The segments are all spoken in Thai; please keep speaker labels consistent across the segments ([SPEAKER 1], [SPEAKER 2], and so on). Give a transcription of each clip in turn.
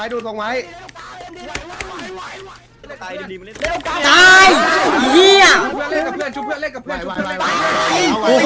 [SPEAKER 1] ว้ดูทรงไว้
[SPEAKER 2] ตายดีๆมันเล่น
[SPEAKER 3] ตายเหี้ย
[SPEAKER 1] เพื่อนเล่นกับเพื่อนชุบเพื่อนเล่นกับเพื่อนชุบเพื่อน
[SPEAKER 3] โอ้โห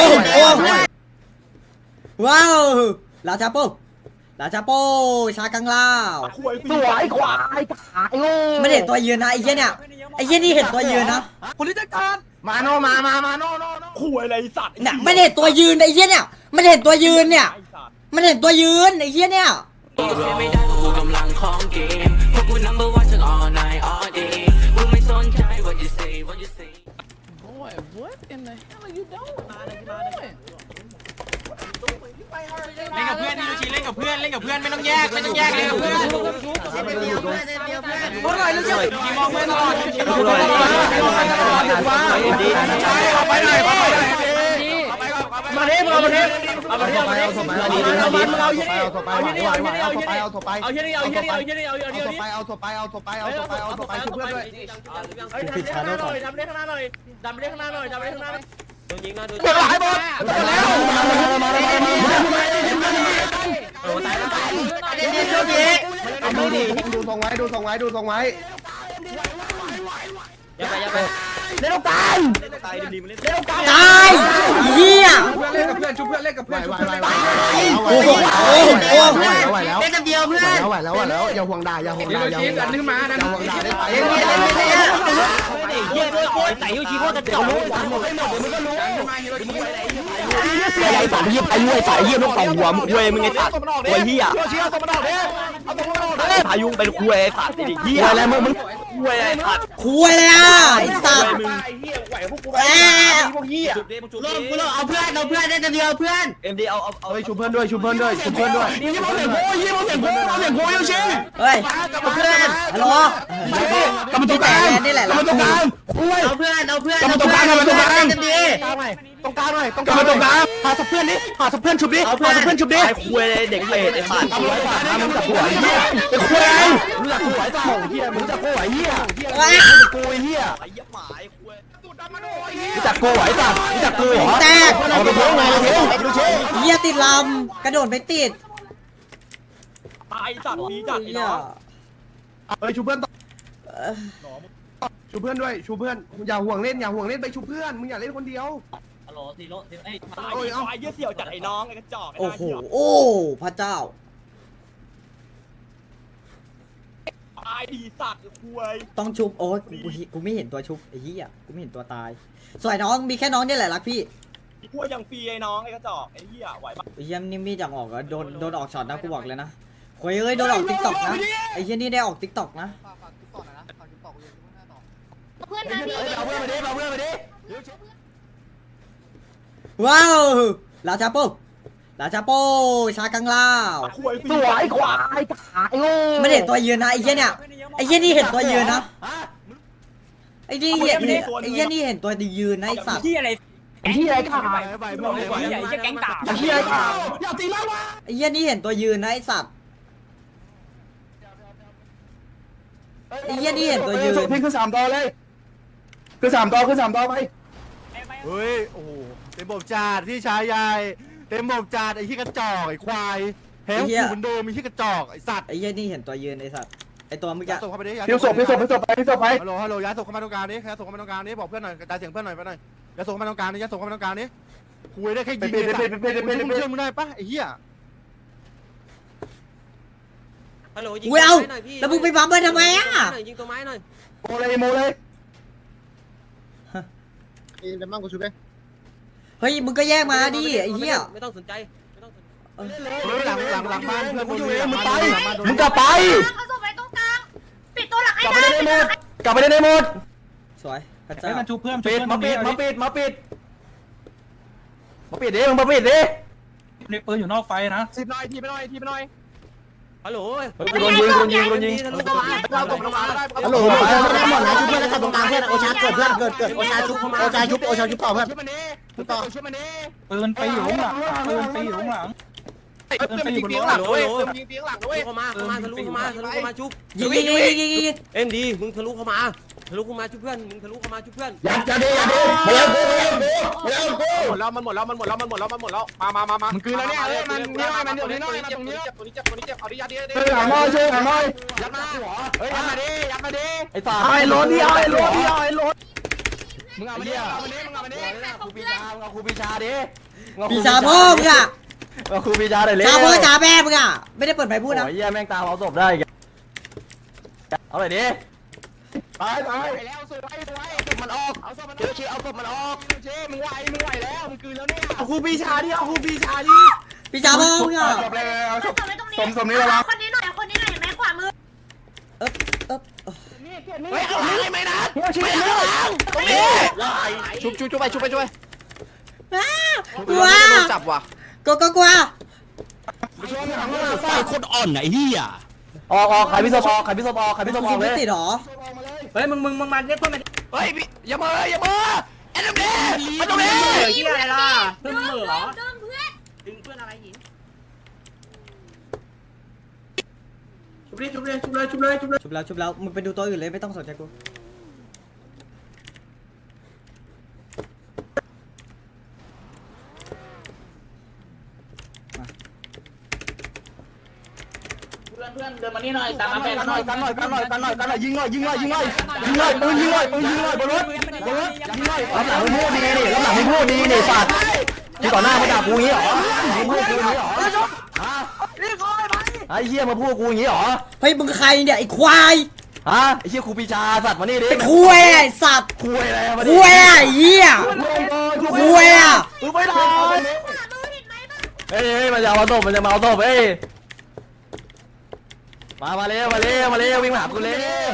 [SPEAKER 3] ว้าวลาชาโปลาชาโปชากังลาว
[SPEAKER 4] สวยควายขายโง่
[SPEAKER 3] ไม่เห็นตัวยืนนะไอ้เหี้ยเนี่ยไอ้เหี้ยนี่เห็นตัวยืนนะ
[SPEAKER 2] คนที่จะการ
[SPEAKER 4] มาโนมาโน
[SPEAKER 2] ขู่อะไรสัตว์
[SPEAKER 3] เนี่ยไม่เห็นตัวยืนไอ้เหี้ยเนี่ยมันเห็นตัวยืนเนี่ยมันเห็นตัวยืนไอ้เหี้ยเนี่ย
[SPEAKER 5] ไม่ได้กูกำลังของเกมพวกกู number one ทั้ง all night all day กูไม่สนใจ what you say what you say
[SPEAKER 6] Boy, what in the hell are you doing?
[SPEAKER 2] เล่นกับเพื่อนนี่ดูชีเล่นกับเพื่อนไม่ต้องแยกเลยกับเพื่อนเมื่อไหร่ลูกเจ้าชีมองเพื่อนตลอดชีมองเพื่อนตลอดไปไหนมาเด้เอามาเด้เอามาเด้เอามาเด้เอามาเด้เอามาเด้เอาเยอะเอาเยอะเอาเยอะเอาเยอะเอาเยอะเอาเยอะเอาเยอะเอาเยอะเอาเยอะเอาเยอะเอาเยอะชุบเพื่อนด้วยดำเลี้ยข้างหน้าหน่อยดำเลี้ยข้างหน้าหน่อยโดนยิงนะโดนหลายบอล
[SPEAKER 1] ดูทรงไว้ดูทรงไว้ดูทรงไว้
[SPEAKER 2] อย่าไปเล่นตายดีๆมันเล่น
[SPEAKER 3] ตายเหี้ย
[SPEAKER 1] เพื่อนเล่นกับเพื่อนชุบเพื่อนเล่นกับเพื่อนชุบเพื่อน
[SPEAKER 3] โอ้โห
[SPEAKER 1] ไหวแล้วอย่าห่วงด่าอย่าห่วงด่าอย่าห่วงด่าอย่าห่วงด่าได้ไป
[SPEAKER 2] เยี่ยด้วยโอ้ยใส่ยูชีโคตรจ่อ
[SPEAKER 4] ไอ้สัตว์เหี้ยไอ้รวยสายเหี้ยต้องสองหัวมึงคุยมึงไอ้สัตว์คุยเหี้ยพายุเป็นคุยไอ้สัตว์ไอ้เหี้ยอะไรมึงคุยไอ้สัตว์
[SPEAKER 3] คุยเลยอ่ะไอ้สัตว์
[SPEAKER 2] จุดเด้มึงจุด
[SPEAKER 4] ลงกูลงเอาเพื่อนได้จะเดียวเพื่อน
[SPEAKER 2] เอ็มดีเอา
[SPEAKER 1] ชุบเพื่อนด้วยชุบเพื่อนด้วยชุบเพื่อนด้วย
[SPEAKER 4] ยี่โมเสียงโง่ยูชิ
[SPEAKER 3] เฮ้ย
[SPEAKER 4] เพื่อน
[SPEAKER 3] ฮัลโหล
[SPEAKER 4] กำลังตัวกลาง
[SPEAKER 3] นี่แหละ
[SPEAKER 4] กำลังตัวกลางเอาเพื่อนกำลังตัวกลางกำลังตัวกลางตรงกลางหน่อยกำลังตัวกลางหาสับเพื่อนดิหาสับเพื่อนชุบดิหาสับเพื่อนชุบดิ
[SPEAKER 2] ไอ้คุยเด็กเปรตไอ้สัตว์
[SPEAKER 4] มึงจับหัวเหี้ยไอ้คุยมึงจับหัวไอ้สัตว์เหี้ยมึงจับหัวเหี้ยกูเหี้ย
[SPEAKER 2] ไอ้เหี้ยหมาไอ้คุย
[SPEAKER 4] มึงจับกูไอ้สัตว์มึงจับกูเหรอ
[SPEAKER 3] แตก
[SPEAKER 4] เอาไปเพิ่มไงเราเพิ่มดูชิ
[SPEAKER 3] เหี้ยติดลำกระโดดไม่ติด
[SPEAKER 2] ตายสัตว์ดีจัดไอ้
[SPEAKER 3] เหี้ย
[SPEAKER 2] น้อง
[SPEAKER 1] เฮ้ยชุบเพื่อนชุบเพื่อนด้วยชุบเพื่อนอย่าห่วงเล่นอย่าห่วงเล่นไปชุบเพื่อนมึงอย่าเล่นคนเดียว
[SPEAKER 2] ฮัลโหลทีโร่ไอ้ตายไอ้เหี้ยเสี่ยวจัดไอ้น้องไอ้กระจอก
[SPEAKER 3] โอ้โหโอ้พระเจ้า
[SPEAKER 2] ตายดีสัตว์คุย
[SPEAKER 3] ต้องชุบโอ้ยกูไม่เห็นตัวชุบไอ้เหี้ยกูไม่เห็นตัวตายสวยน้องมีแค่น้องนี่แหละรักพี่
[SPEAKER 2] คุยยังฟรีไอ้น้องไอ้กระจอกไอ้เหี้ยไหวปะ
[SPEAKER 3] ไอ้เหี้ยนี่มีจังออกอะโดนออกช็อตนะกูบอกเลยนะโอ้ยเอ้ยโดนออกติ๊กต็อกนะไอ้เหี้ยนี่ได้ออกติ๊กต็อกนะ
[SPEAKER 7] เพื่อนมาดิ
[SPEAKER 4] เอาเพื่อนมาดิเอาเพื่อนมาดิ
[SPEAKER 3] ว้าวลาชาโปลาชาโปชากังลาว
[SPEAKER 2] คุยฟรี
[SPEAKER 4] สวยควายขายโง่
[SPEAKER 3] ไม่เห็นตัวยืนนะไอ้เหี้ยเนี่ยไอ้เหี้ยนี่เห็นตัวยืนนะไอ้นี่เห็นไอ้เหี้ยนี่เห็นตัวยืนนะไอ้สัตว์
[SPEAKER 2] ที่อะไร
[SPEAKER 4] ที่ไรขาย
[SPEAKER 2] ใหญ่จะแก๊งกา
[SPEAKER 4] ที่ไรขายอย่าตีแล้ววะ
[SPEAKER 3] ไอ้เหี้ยนี่เห็นตัวยืนนะไอ้สัตว์ไอ้เหี้ยนี่เห็นตัวยืน
[SPEAKER 4] พี่คือ3 ดอเลยคือ3 ดอไป
[SPEAKER 8] เฮ้ย โอ้โหเต็มบบจาดพี่ชายใหญ่เต็มบบจาดไอ้ที่กระจอกไอ้ควายแพ้กูเหมือนเดิมมีที่กระจอกไอ้สัตว์
[SPEAKER 3] ไอ้เหี้ยนี่เห็นตัวยืนไอ้สัตว์ไอ้ตัวเมื่อกี้
[SPEAKER 8] ย้ายศพเข้าไปดิ
[SPEAKER 4] พี่ศพไป
[SPEAKER 8] ฮัลโหลย้ายศพเข้ามาตรงกลางนี้ย้ายศพเข้ามาตรงกลางนี้บอกเพื่อนหน่อยกระจายเสียงเพื่อนหน่อยไปหน่อยย้ายศพเข้ามาตรงกลางนี้ย้ายศพเข้ามาตรงกลางนี้คุยได้แค่ยิงมึงเชื่อมึงได้ปะไอ้เหี้ย
[SPEAKER 2] ฮัลโหลยิง
[SPEAKER 3] เว้ยเอาแล้วมึงไปบัมเบิ้ลทำไมอ่ะ
[SPEAKER 2] ยิงตัวไม้หน่อย
[SPEAKER 4] โมเลย
[SPEAKER 3] เฮ้ยมึงก็แยกมาดิไอ้เหี้ย
[SPEAKER 2] ไม่ต้องสนใจไม่ต้อง
[SPEAKER 8] หลังบ้านเพื่อน
[SPEAKER 4] มึงกลับไป
[SPEAKER 7] เขาส่งไปตรงกลาง ปิดตัวหลังให้
[SPEAKER 4] กลับไป
[SPEAKER 7] ได้
[SPEAKER 4] ได้หมดกลับไปได้หมด
[SPEAKER 3] สวยพระเจ้า
[SPEAKER 8] มันชูเพื่อน
[SPEAKER 4] ปิดมาปิดดิมึงมาปิดดิ
[SPEAKER 8] ในปืนอยู่นอกไฟนะ
[SPEAKER 4] ทีไปหน่อย
[SPEAKER 2] ฮัลโหล
[SPEAKER 4] กูโดนยิง
[SPEAKER 2] ทะลุเข้ามาเราตกลงมาได้
[SPEAKER 4] ฮัลโหลได้หมดนะชุบเพื่อนแล้วตรงกลางเพื่อนโอชาเกิดโอชาชุบต่อเพื่อนต่อ
[SPEAKER 8] ปืนไปอยู่ข้างหลังปืนไปอยู่ข้างหลังปืนไปอยู่บนรถ
[SPEAKER 2] ฮัลโหลยิงเตียงหลังด้วยเข้ามาทะลุเข้ามาชุบ
[SPEAKER 3] ยิง
[SPEAKER 2] เอ็มดีมึงทะลุเข้ามาทะลุเข้ามาช่วยเพื่อนมึงทะลุเข้ามาช่วยเพื่อน
[SPEAKER 4] อย่าดีมาแล้วกู
[SPEAKER 8] หมดแล้วมันหมดแล้วมันหมดแล้วมันหมดแล้วมันหมดแล้วมามันคืออะไรเนี่ยเฮ้ยมันนี่หน่อยมันเดี๋ยวนี้หน่อยมาตรงนี้ตัวนี้เจ็บเอาดิยัดดิ
[SPEAKER 4] หลังน้อยช่วยหลังน้อย
[SPEAKER 8] ยัดมาเฮ้ยยัดมาดิ
[SPEAKER 2] ไอ้ตา
[SPEAKER 4] ไอ้รถดิไอ้รถดิไอ้รถ
[SPEAKER 8] มึงเอามาดิมึงเอามาดิ
[SPEAKER 2] ครูปีชามึงเอาครูปีชาดิ
[SPEAKER 3] ปีชาพ่อมึงอะ
[SPEAKER 2] เอาครูปีชาหน่อยเลย
[SPEAKER 3] ชาพ่อชาแม่มึงอะไม่ได้เปิดไฟพูดนะ
[SPEAKER 2] โอ้ยเหี้ยแม่งตามเอาศพได้เอาหน่อยดิ
[SPEAKER 4] ตาย
[SPEAKER 8] แล้วสวยมันออกเอาศพมันออกเชี่ยเอาศพมันออกเชี่ยมึงไหวแล้วมึงคืนแล้วเนี่ยเอาครูปีชาดิเอาครูปีชาดิ
[SPEAKER 3] ปีชาพ่อมึงอะ
[SPEAKER 4] จบเลยเอา
[SPEAKER 7] เอา
[SPEAKER 4] จ
[SPEAKER 7] ศ
[SPEAKER 4] บ
[SPEAKER 7] พไว้ตรงนี้
[SPEAKER 4] สมนี้แล้ววะ
[SPEAKER 7] คนนี้หน่อยคนนี้หน่อยแม่ขวามือ
[SPEAKER 3] เอ๊บ
[SPEAKER 8] เฮ้ยเอาหลังไม่นะไม่เอาหลังตรงนี้ชุบไป
[SPEAKER 3] อ้ากลัว
[SPEAKER 8] โดนจับว่ะ
[SPEAKER 3] กลัว
[SPEAKER 4] ไฟคนอ่อนไอ้เหี้ย
[SPEAKER 2] ออกขายพิศพออกขายพิศพออกขายพิศพออกเล
[SPEAKER 3] ไม่
[SPEAKER 2] ย
[SPEAKER 3] ติดหรอ
[SPEAKER 2] เฮ้ยมึงมาเรียกเพื่อนมา
[SPEAKER 8] เฮ้ยอย่าเมื่อไอ้ตรงนี้ไอ้ตรงนี้
[SPEAKER 2] ที่อะไรล่ะเพื่อนเหรอ
[SPEAKER 7] เดิมเพื่อน
[SPEAKER 2] ดึงเพื่อนอะไรหญิง
[SPEAKER 3] ชุบแล้วมึงไปดูตัวอื่นเลยไม่ต้องสนใจกู
[SPEAKER 6] เพื่อนเดินมานี่หน่อยตามมา
[SPEAKER 4] กันหน่อยยิงหน่อยปืนยิงหน่อยบนรถยิงหน่อยรับหลังไม่พูดดีนี่รับหลังไม่พูดดีนี่สัตว์ที่ต่อหน้ามาด่ากูงี้เหรอมึงพูดกูงี้เหรอไอ้เหี้ยมาพูดกูงี้เหรอ
[SPEAKER 3] เฮ้ยมึงใครเนี่ยไอ้ควาย
[SPEAKER 2] ฮะไอ้เหี้ยครูปีชาสัตว์มานี่ดิ
[SPEAKER 3] ไอ้คุยไอ้สัตว์
[SPEAKER 2] คุยอะไรมาดิ
[SPEAKER 3] คุยไอ้เหี้ยคุยอะ
[SPEAKER 4] มึงไม่ได้
[SPEAKER 7] ขวามือเห็นไหมบ้าง
[SPEAKER 2] เฮ้ยมันจะเอาศพมันจะมาเอาศพเฮ้ยมาเร็ววิ่งมาหากูเร็ว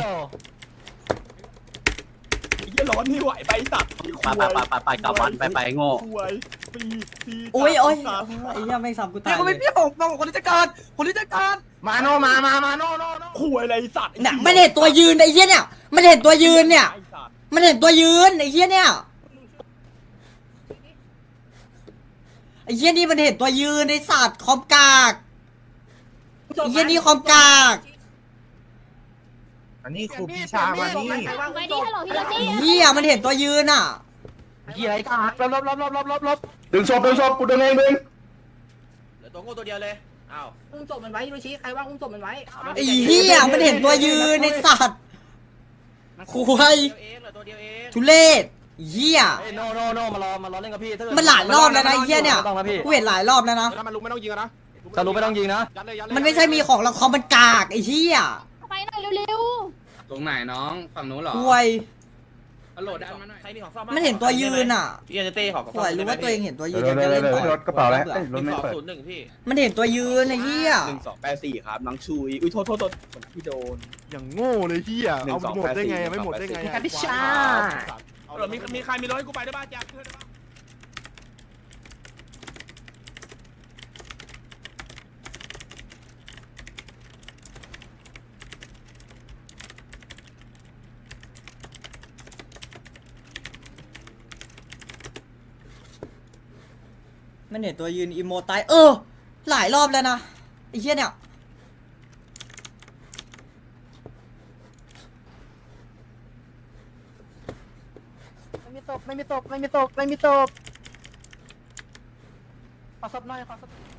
[SPEAKER 8] ร้อนนี่ไหวไปสัตว์
[SPEAKER 6] ไปกลับบ้านไปโง่
[SPEAKER 8] ป่วยปี
[SPEAKER 3] โอ้ยไอ้เหี้ยไม่ซ้ำกูตายเลย
[SPEAKER 8] คนที่จะการมาโนคุยอะไรสัตว์
[SPEAKER 3] เนี่ยมันเห็นตัวยืนไอ้เหี้ยเนี่ยมันเห็นตัวยืนเนี่ยมันเห็นตัวยืนไอ้เหี้ยเนี่ยไอ้เหี้ยนี่มันเห็นตัวยืนไอ้สัตว์คอมกากไอ้เหี้ยนี่คอมกาก
[SPEAKER 8] อันนี้ครูปีชามานี่
[SPEAKER 7] ไว้ดิฮัลโหลพี่โรซี่
[SPEAKER 3] เหี้ยมันเห็นตัวยืนอ่ะ
[SPEAKER 8] กี่ไรกันลบ
[SPEAKER 4] ดึงศพกูดึงเองดึง
[SPEAKER 2] เหลือตัวโง่ตัวเดียวเลยอ้าว
[SPEAKER 6] อุ้มศพมันไว้ฮิโรชิใครว่างอุ้มศพมันไว้
[SPEAKER 3] ไอ้เหี้ยมันเห็นตัวยืนไอ้สัตว์คุย
[SPEAKER 2] เหลือตัวเดียวเอง
[SPEAKER 3] ทุเรศเหี้ย
[SPEAKER 2] เฮ้ยโนมารอเล่นกับพี่
[SPEAKER 3] มันหลายรอบแล้วนะไอ้เหี้ยเนี่ย
[SPEAKER 2] ต้องนะพี่
[SPEAKER 3] กูเห็นหลายรอบแล้วนะ
[SPEAKER 8] ถ้ามันลุกไม่ต้องยิงนะ
[SPEAKER 2] จะรู้ไม่ต้องยิงนะ
[SPEAKER 3] มันไม่ใช่มีของละครมันกากไอ้เหี้ย
[SPEAKER 7] ไปหน่อยเร็ว
[SPEAKER 1] ตรงไหนน้องฝั่งนู้นเหรอ
[SPEAKER 3] คุย
[SPEAKER 1] โหลดดันมาหน่อย
[SPEAKER 2] ใครมีของซ่อม
[SPEAKER 3] มันเห็นตัวยืนอ่ะ
[SPEAKER 2] พี่จะเต้ของ
[SPEAKER 3] คุยรู้ว่าตัวเองเห็นตัวยืน
[SPEAKER 4] เดี๋ยว
[SPEAKER 3] จะเล่นต่อ
[SPEAKER 4] รถกระเป๋าแล้วรถไม่เปิด
[SPEAKER 2] 1พี่
[SPEAKER 3] มันเห็นตัวยืนไอ้เหี้ย
[SPEAKER 6] 1284ครับน้องชุยอุ้ยโทษพี่โดน
[SPEAKER 8] อย่างโง่เลยเฮียเอาหมดได้ไงไม่หมดได้ไง
[SPEAKER 2] มีใครมีรถให้กูไปได้บ้างแจ็ค
[SPEAKER 3] มันเห็นตัวยืนอีโมตายหลายรอบแล้วนะไอ้เหี้ยเนี่ย
[SPEAKER 8] ไม่มีศพขอศพหน่อยขอศพ